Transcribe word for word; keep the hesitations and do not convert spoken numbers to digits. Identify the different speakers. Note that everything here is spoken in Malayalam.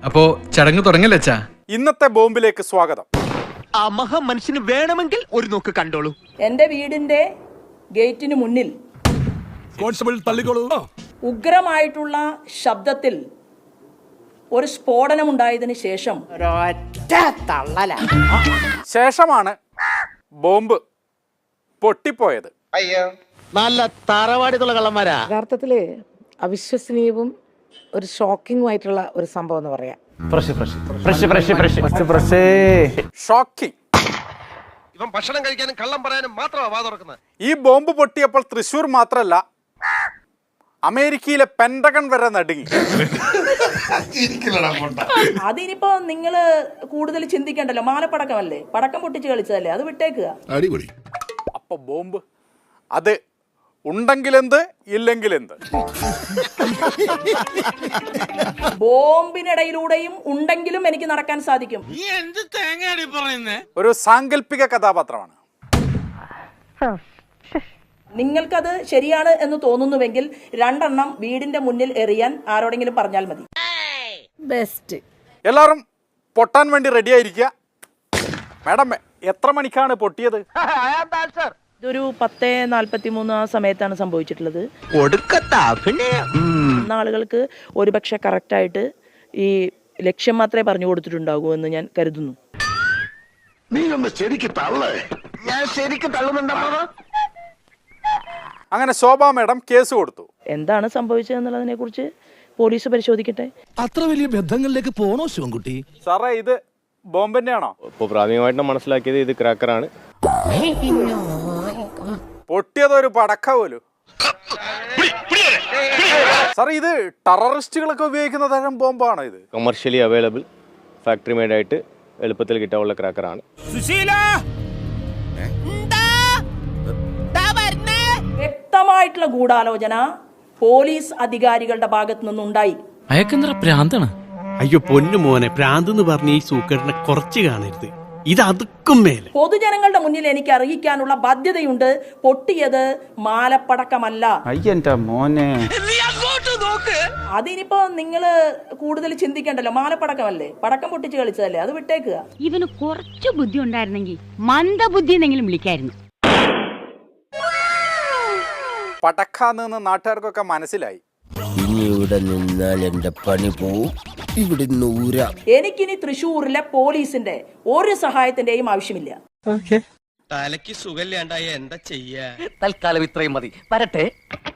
Speaker 1: അപ്പോ ചടങ്ങ് തുടങ്ങല്ലേ അച്ഛാ?
Speaker 2: ഇന്നത്തെ ബോംബിലേക്ക് സ്വാഗതം.
Speaker 3: ആ മഹാ മനുഷ്യന് വേണമെങ്കിൽ ഒരു നോക്ക് കണ്ടോളൂ.
Speaker 4: എന്റെ വീടിന്റെ ഗേറ്റിന് മുന്നിൽ
Speaker 5: കോൺസ്റ്റബിൾ തള്ളിക്കോളൂ.
Speaker 4: ഉഗ്രമായിട്ടുള്ള ശബ്ദത്തിൽ ഒരു സ്ഫോടനമുണ്ടായതിനു ശേഷം
Speaker 2: ശേഷമാണ് ബോംബ് പൊട്ടിപ്പോയത്.
Speaker 3: നല്ല തറവാടിത്തുള്ള കള്ളന്മാരാ.
Speaker 6: യഥാർത്ഥത്തില് അവിശ്വസനീയവും ഒരു ഷോക്കിംഗുമായിട്ടുള്ള ഒരു സംഭവം എന്ന് പറയാം.
Speaker 2: ഷോക്കിംഗ്.
Speaker 7: ഇവൻ ഭക്ഷണം കഴിക്കാനും കള്ളം പറയാനും മാത്രമാണ് വാ തുറക്കുന്നത്.
Speaker 2: ഈ ബോംബ് പൊട്ടിയപ്പോൾ തൃശ്ശൂർ മാത്രല്ല, അമേരിക്കയിലെ പെന്റഗൺ വരെ നടുങ്ങി.
Speaker 4: അതിനിപ്പോ നിങ്ങള് കൂടുതൽ ചിന്തിക്കണ്ടല്ലോ, മാലപ്പടക്കമല്ലേ, പടക്കം പൊട്ടിച്ച് കളിച്ചതല്ലേ, അത് വിട്ടേക്കുക.
Speaker 2: അപ്പൊ ബോംബ് അത് ഉണ്ടെങ്കിലെന്ത് ഇല്ലെങ്കിലെന്ത്.
Speaker 4: ബോംബിനിടയിലൂടെയും ഉണ്ടെങ്കിലും എനിക്ക് നടക്കാൻ സാധിക്കും.
Speaker 2: ഒരു സാങ്കല്പിക കഥാപാത്രമാണ്.
Speaker 4: നിങ്ങൾക്കത് ശരിയാണ് എന്ന് തോന്നുന്നുവെങ്കിൽ രണ്ടെണ്ണം വീടിന്റെ മുന്നിൽ എറിയാൻ ആരോടെങ്കിലും പറഞ്ഞാൽ മതി.
Speaker 6: ബെസ്റ്റ്.
Speaker 2: എല്ലാവരും പൊട്ടാൻ വേണ്ടി റെഡി ആയിരിക്കുക. മാഡം, എത്ര മണിക്കാണ് പൊട്ടിയത്?
Speaker 4: ഇതൊരു പത്ത് നാൽപ്പത്തി മൂന്ന് ആ സമയത്താണ് സംഭവിച്ചിട്ടുള്ളത്. ആളുകൾക്ക് ഒരുപക്ഷെ കറക്റ്റായിട്ട് ഈ ലക്ഷ്യം മാത്രമേ പറഞ്ഞു കൊടുത്തിട്ടുണ്ടാകൂ എന്ന് ഞാൻ കരുതുന്നു.
Speaker 2: അങ്ങനെ ശോഭാ മാഡം കേസ് കൊടുത്തു.
Speaker 4: എന്താണ് സംഭവിച്ചതെന്നുള്ളതിനെ കുറിച്ച് പോലീസ് പരിശോധിക്കട്ടെ.
Speaker 5: അത്ര വലിയ ബന്ധങ്ങളിലേക്ക് പോണോ ശിവൻകുട്ടി?
Speaker 2: സാറേ, ഇത് ബോംബ് തന്നെയാണോ?
Speaker 8: ഇപ്പോൾ പ്രാഥമികമായിട്ട് മനസ്സിലാക്കിയത് ഇത് ക്രാക്കറാണ്.
Speaker 2: പൊട്ടിയതൊരു പടക്ക പോലും. സാർ, ഇത് ടെററിസ്റ്റുകളൊക്കെ ഉപയോഗിക്കുന്ന തരം ബോംബാണോ ഇത്?
Speaker 8: കമേഴ്ഷ്യലി അവൈലബിൾ, ഫാക്ടറി മെയ്ഡ് ആയിട്ട് എളുപ്പത്തിൽ കിട്ടാനുള്ള ക്രാക്കറാണ്.
Speaker 4: വ്യക്തമായിട്ടുള്ള ഗൂഢാലോചന പോലീസ് അധികാരികളുടെ ഭാഗത്തു നിന്നുണ്ടായി.
Speaker 9: അയക്കെന്തറ പ്രാന്താണ്?
Speaker 10: അയ്യോ പൊന്നു മോനെ, പ്രാന്ത് എന്ന് പറഞ്ഞ ഈ സൂക്കേടിനെ കുറച്ച് കാണരുത്. ഇത് അതുക്കും മേലെ
Speaker 4: പൊതുജനങ്ങളുടെ മുന്നിൽ എനിക്ക് അറിയിക്കാനുള്ള ബാധ്യതയുണ്ട്. പൊട്ടിയത് മാലപ്പടക്കമല്ല.
Speaker 10: മോനെ,
Speaker 4: അതിനിപ്പോ നിങ്ങള് കൂടുതൽ ചിന്തിക്കണ്ടല്ലോ, മാലപ്പടക്കമല്ലേ, പടക്കം പൊട്ടിച്ച് കളിച്ചതല്ലേ, അത് വിട്ടേക്കുക.
Speaker 11: ഇവന് കുറച്ചു ബുദ്ധി ഉണ്ടായിരുന്നെങ്കിൽ മന്ദബുദ്ധി എന്നെങ്കിലും വിളിക്കായിരുന്നു.
Speaker 2: പടക്കാന്ന് നാട്ടുകാർക്കൊക്കെ മനസ്സിലായി.
Speaker 3: ഇനി ഇവിടെ നിന്നാൽ എന്റെ പണി പോവും. ഇവിടെ
Speaker 4: എനിക്കിനി തൃശ്ശൂരിലെ പോലീസിന്റെ ഒരു സഹായത്തിന്റെയും ആവശ്യമില്ല.
Speaker 7: തലയ്ക്ക് സുഖമില്ലാണ്ടായ എന്താ ചെയ്യാ?
Speaker 3: തൽക്കാലം ഇത്രയും മതി. വരട്ടെ.